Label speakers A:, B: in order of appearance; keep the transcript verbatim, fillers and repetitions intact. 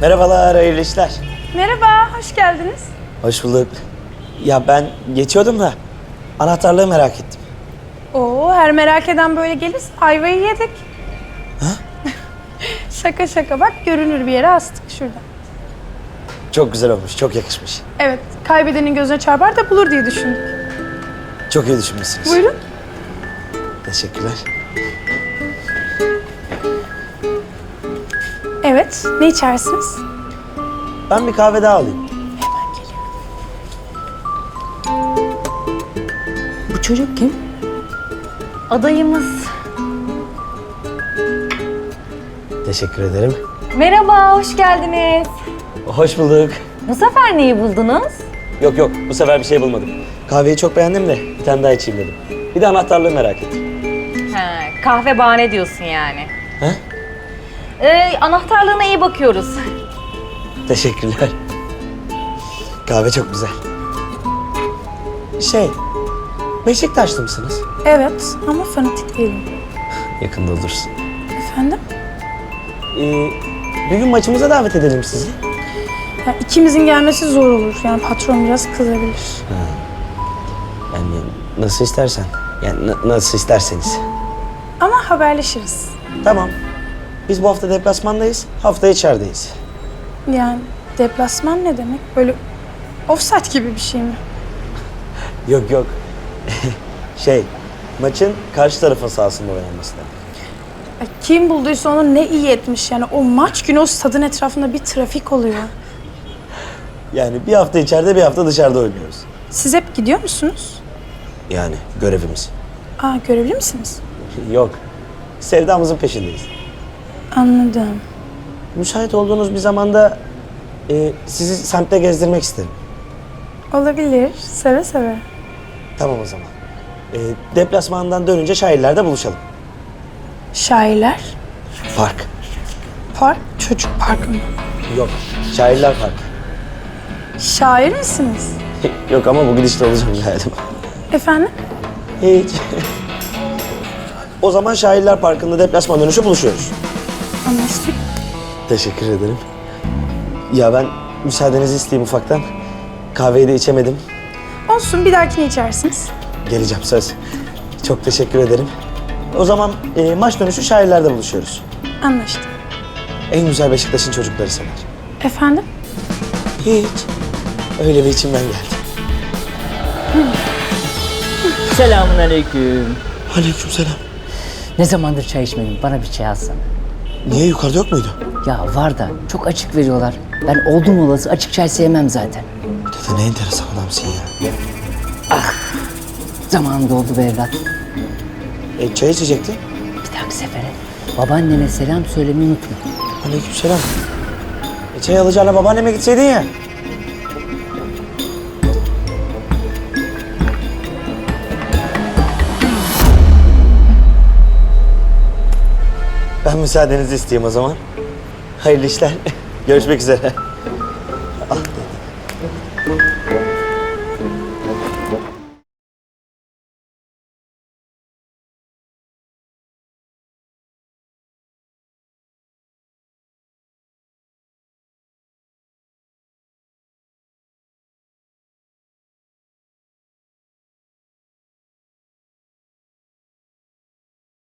A: Merhabalar, hayırlı işler.
B: Merhaba, hoş geldiniz.
A: Hoş bulduk. Ya ben geçiyordum da anahtarlığı merak ettim.
B: Oo, her merak eden böyle gelirse ayvayı yedik.
A: Ha?
B: Şaka şaka, bak görünür bir yere astık şurada.
A: Çok güzel olmuş, çok yakışmış.
B: Evet, kaybedenin gözüne çarpar da bulur diye düşündük.
A: Çok iyi düşünmüşsünüz.
B: Buyurun.
A: Teşekkürler.
B: Evet, ne içersiniz?
A: Ben bir kahve daha alayım.
B: Hemen geliyorum.
C: Bu çocuk kim? Adayımız.
A: Teşekkür ederim.
C: Merhaba, hoş geldiniz.
A: Hoş bulduk.
C: Bu sefer neyi buldunuz?
A: Yok yok, bu sefer bir şey bulmadım. Kahveyi çok beğendim de bir tane daha içeyim dedim. Bir de anahtarlığı merak ettim.
C: He, kahve bahane diyorsun yani.
A: He?
C: Ee, anahtarlığına iyi bakıyoruz.
A: Teşekkürler. Kahve çok güzel. Şey, Beşiktaşlı mısınız?
B: Evet, ama fanatik değilim.
A: Yakında olursun.
B: Efendim?
A: Ee, bir gün maçımıza davet edelim sizi.
B: Ya ikimizin gelmesi zor olur. Yani patron biraz kızabilir.
A: Yani nasıl istersen. Yani na- nasıl isterseniz.
B: Ama haberleşiriz.
A: Tamam. Biz bu hafta deplasmandayız. Hafta içerideyiz.
B: Yani deplasman ne demek? Böyle offside gibi bir şey mi?
A: Yok yok. şey, maçın karşı tarafın sahasında oynanması demek.
B: Ya kim bulduysa onu ne iyi etmiş. Yani o maç günü o stadın etrafında bir trafik oluyor.
A: Yani bir hafta içeride bir hafta dışarıda oynuyoruz.
B: Siz hep gidiyor musunuz?
A: Yani görevimiz.
B: Aa, görevli misiniz?
A: Yok. Sevdamızın peşindeyiz.
B: Anladım.
A: Müsait olduğunuz bir zamanda e, sizi semtte gezdirmek isterim.
B: Olabilir. Seve seve.
A: Tamam o zaman. E, deplasmandan dönünce şairlerde buluşalım.
B: Şairler.
A: Park.
B: Park. Çocuk parkı mı?
A: Yok. Şairler Parkı.
B: Şair misiniz?
A: Yok ama bu gidişte olacağım galiba.
B: Efendim?
A: Hiç. O zaman Şairler Parkı'nda deplasman dönüşü buluşuyoruz.
B: Anlaştık.
A: Teşekkür ederim. Ya ben müsaadenizi isteyeyim ufaktan. Kahveyi de içemedim.
B: Olsun, bir dahakini içersiniz.
A: Geleceğim söz. Çok teşekkür ederim. O zaman e, maç dönüşü Şairler'de buluşuyoruz.
B: Anlaştık.
A: En güzel Beşiktaş'ın çocukları sever.
B: Efendim?
A: Hiç. Öyle bir içimden geldi.
D: Selamünaleyküm.
A: Aleykümselam.
D: Ne zamandır çay içmedim? Bana bir çay alsana.
A: Niye yukarıda yok muydu?
D: Ya var da çok açık veriyorlar. Ben oldum olası açık çay sevmem zaten.
A: Dede ne enteresan adamsın ya.
D: Zamanım doldu be evlat.
A: E, çay içecektin.
D: Bir dahaki sefere babaanneme selam söylemeyi unutma.
A: Aleykümselam. E, çay alacağına babaanneme gitseydin ya. Ben müsaadenizi isteyeyim o zaman. Hayırlı işler. Görüşmek üzere.